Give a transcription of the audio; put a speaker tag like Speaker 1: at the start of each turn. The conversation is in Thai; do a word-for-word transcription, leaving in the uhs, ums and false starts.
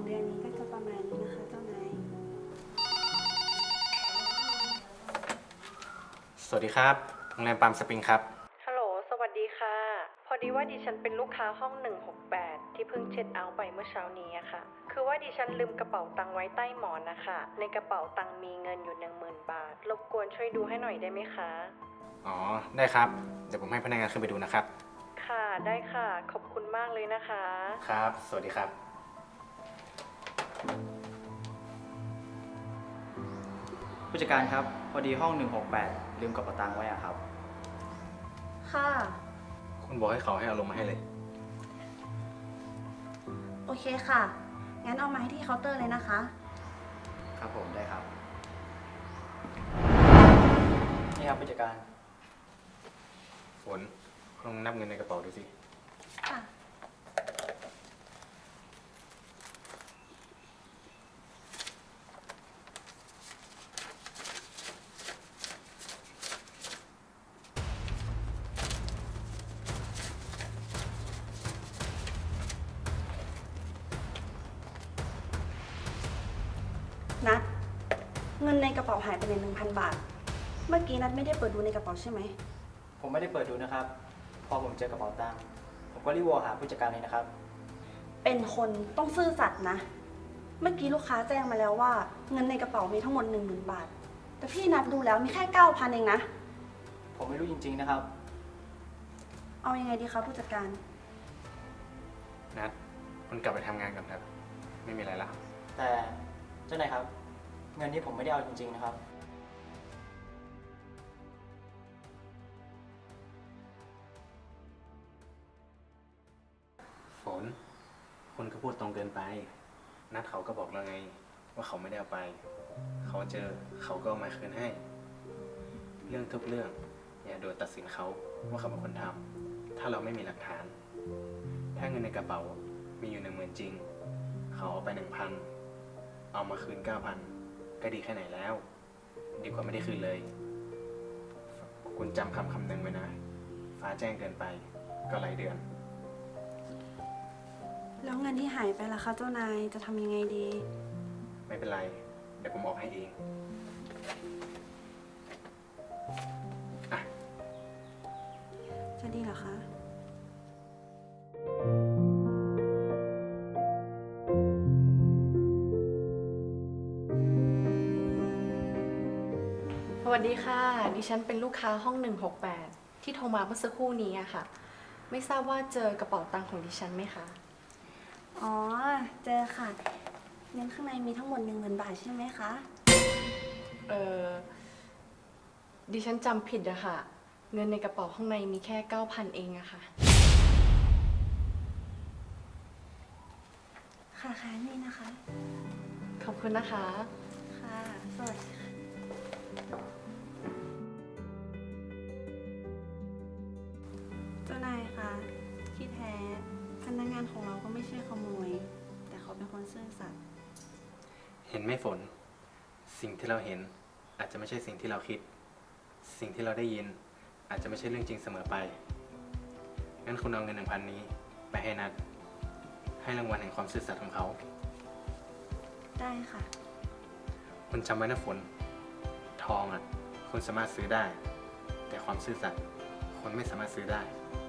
Speaker 1: เดือนนี้ก็จะประมาณนี้นะคะเจ้านาย
Speaker 2: สวัสดีครับโรงแรมปาล์มสปริงครับ
Speaker 3: ฮัลโหล สวัสดีค่ะ พอดีว่าดิฉันเป็นลูกค้าห้องหนึ่งหกแปดที่เพิ่งเช็คเอาท์ไปเมื่อเช้านี้อะค่ะ คือว่าดิฉันลืมกระเป๋าตังค์ไว้ใต้หมอนนะคะ ในกระเป๋าตังค์มีเงินอยู่หนึ่งหมื่นบาท รบกวนช่วยดูให้หน่อยได้ไหมคะ
Speaker 2: อ๋อ ได้ครับ เดี๋ยวผมให้พนักงานขึ้นไปดูนะครับ
Speaker 3: ค่ะ ได้ค่ะ ขอบคุณมากเลยนะคะ
Speaker 2: ครับ สวัสดีครับ
Speaker 4: ผู้จัดการครับพอดีห้องหนึ่งหกแปดลืมกระเป๋าตังค์ไว้อะครับ
Speaker 1: ค่ะ
Speaker 2: คุณบอกให้เขาให้เอาลงมาให้เลย
Speaker 1: โอเคค่ะ งั้นเอามาให้ที่เคาน์เตอร์เลยนะคะ
Speaker 4: ครับผมได้ครับ นี่ครับผู้จัดการ
Speaker 2: ฝนลองนับเงินในกระเป๋าดูสิ
Speaker 1: ค่ะ นัด เงินในกระเป๋าหายไปเลยหนึ่งพันบาท เมื่อกี้นัดไม่ได้เปิดดูในกระเป๋าใช่ไหม
Speaker 4: ผมไม่ได้เปิดดูนะครับ พอผมเจอกระเป๋าตังค์ผมก็รีบวอลหาผู้จัดการเลยนะครับ
Speaker 1: เป็นคนต้องซื่อสัตย์นะ เมื่อกี้ลูกค้าแจ้งมาแล้วว่าเงินในกระเป๋ามีทั้งหมดหนึ่งหมื่นบาท แต่พี่นับดูแล้วมีแค่เก้าพันเองนะ
Speaker 4: ผมไม่รู้จริงๆนะครับ
Speaker 1: เอายังไงดีคะผู้จัดการ
Speaker 2: นัดคุณกลับไปทำงานกันครับ ไม่มีอะไรละ
Speaker 4: แต่เจ้านายครับ เงินนี้ผมไม่ได้เอาจริงๆนะครับ
Speaker 2: ฝน คุณก็พูดตรงเกินไป นัดเขาก็บอกแล้วไง ว่าเขาไม่ได้เอาไป เขาเจอเขาก็เอามาคืนให้ เรื่องทุกเรื่องอย่าโดนตัดสินเขาว่าเขาเป็นคนทำถ้าเราไม่มีหลักฐาน ถ้าเงินในกระเป๋ามีอยู่หนึ่งหมื่นจริง เขาเอาไปหนึ่งพันเอามาคืนเก้าพันก็ดีแค่ไหนแล้ว ดีกว่าไม่ได้คืนเลย คุณจำคำคำหนึ่งไว้นะ ฟ้าแจ้งเกินไปก็หลายเดือน
Speaker 1: แล้วเงินที่หายไปล่ะคะเจ้านายจะทำยังไงดี
Speaker 2: ไม่เป็นไร เดี๋ยวผมออกให้เองอ่ะ
Speaker 1: จะดีเหรอคะ
Speaker 3: สวัสดีค่ะ ดิฉันเป็นลูกค้าห้องหนึ่งหกแปดที่โทรมาเมื่อสักครู่นี้อะค่ะ ไม่ทราบว่าเจอกระเป๋าตังค์ของดิฉันไหมคะ
Speaker 1: อ๋อ เจอค่ะ เงินข้างในมีทั้งหมดหนึ่งหมื่นบาทใช่ไหมคะ
Speaker 3: เออดิฉันจำผิดอะค่ะ เงินในกระเป๋าข้างในมีแค่เก้าพันเองอะค่ะ
Speaker 1: ค่ะค่ะนี่นะคะ
Speaker 3: ขอบคุณนะคะ
Speaker 1: ค่ะ สวัสดีค่ะ เจ้านายคะที่แท้พนักงานของเราก็ไม่ใช่ขโมย แต่เขาเป็นคนซื่อสัตย์
Speaker 2: เห็นไหมฝน สิ่งที่เราเห็นอาจจะไม่ใช่สิ่งที่เราคิด สิ่งที่เราได้ยิน อาจจะไม่ใช่เรื่องจริงเสมอไป งั้นคุณเอาเงินหนึ่งพันนี้ไปให้นัด ให้รางวัลแห่งความซื่อสัตย์ของเขา
Speaker 1: ได้ค่ะ
Speaker 2: คุณจำไว้นะฝน ทองอ่ะ คุณสามารถซื้อได้ แต่ความซื่อสัตย์คุณไม่สามารถซื้อได้